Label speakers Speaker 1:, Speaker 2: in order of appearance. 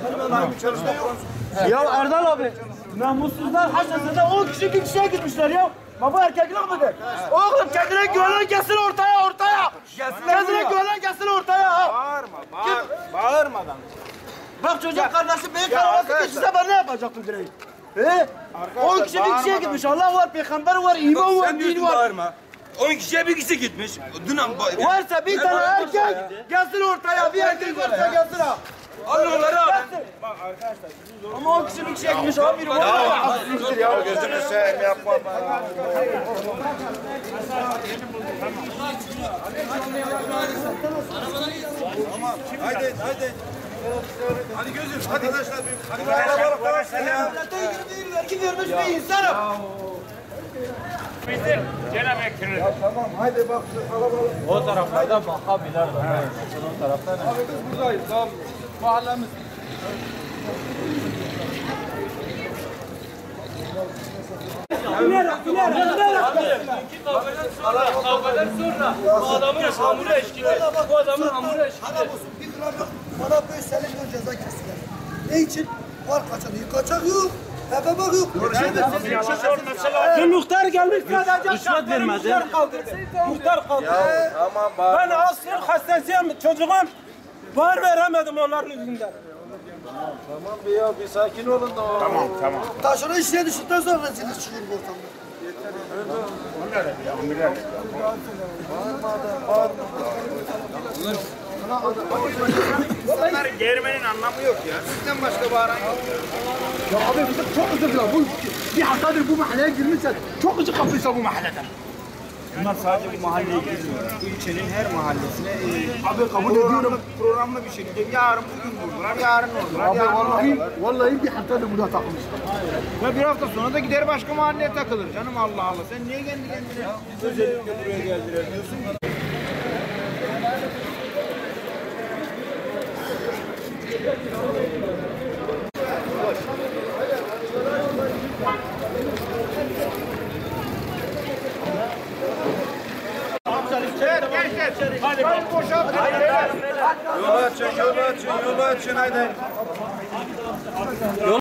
Speaker 1: Ya Erdal abi, namussuzlar haşasında 10 kişi bir kişiye gitmişler ya. Baba erkeklik midir? Oğlum kendine güvenen gelsin ortaya. Kendine güvenen gelsin ortaya.
Speaker 2: Bağırmadan.
Speaker 1: Bak çocuk kardeşim beyin kanaması geçirse ben ne yapacaktım direği? 10 kişi bir kişiye gitmiş. Allah var, peygamber var, iman var, din var.
Speaker 2: Bağırma. 10 kişiye bir kişi gitmiş.
Speaker 1: Varsa bir tane erkek gelsin ortaya. Bir erkek varsa gelsin ha.
Speaker 2: Alın onları abi.
Speaker 1: Bak arkadaşlar. Ama 10 kişi bir kişiye gitmiş abi. Biri var ya.
Speaker 2: Gözünü seveyim yapma. Tamam. Haydi. Hadi gözüm. Hadi arkadaşlar. Hadi kalabalık.
Speaker 1: Devlete girdiği vergi vermiş bir insanım.
Speaker 3: Bitir. Gene bekliyoruz.
Speaker 2: Tamam. Haydi bak şu kalabalık.
Speaker 4: O taraflarda bakabilirler. O tarafta ne?
Speaker 2: Abi biz buradayız. Tamam. Mahallemiz.
Speaker 3: Kavgadan sonra bu adamın hamuru eşkili. Bu adamın hamuru eşkili.
Speaker 5: Bir gramlık bana 5 sene ceza kestiler. Ne için? Var kaçak yok. Tepe bak yok.
Speaker 1: Muhtar gelmiş sadece.
Speaker 4: Rüşvet vermedi.
Speaker 1: Muhtar kaldırdı.
Speaker 2: Tamam.
Speaker 1: Ben asker hastasıyım çocuğum. Var veremedim onların yüzünden.
Speaker 2: Tamam bir sakin olun da.
Speaker 3: Tamam.
Speaker 5: Taşını işine düştükten sonra rezillik çıkıyor bu ortamda.
Speaker 2: Bunların germenin anlamı yok ya. Sizden başka bağıran yok.
Speaker 5: Ya abi bizim çok özür dilerim. Bu bir haftadır bu mahalleye girmişsen çok acı kapıysa bu mahalleden.
Speaker 2: Bunlar sadece bu mahalleye girmiyor. İlçenin her mahallesine
Speaker 5: Abi kabul ediyorum.
Speaker 2: programlı bir şekilde yarın bugün vurdular, yarın oldular.
Speaker 5: Abi vallahi bir haftadır burada takılmışlar.
Speaker 2: Ve bir hafta sonra da gider başka mahalleye takılır canım Allah Allah. Sen niye kendi kendine özellikle buraya geldiler diyorsun ki?
Speaker 3: Hadi boşalt.
Speaker 2: Yolu açın, hadi.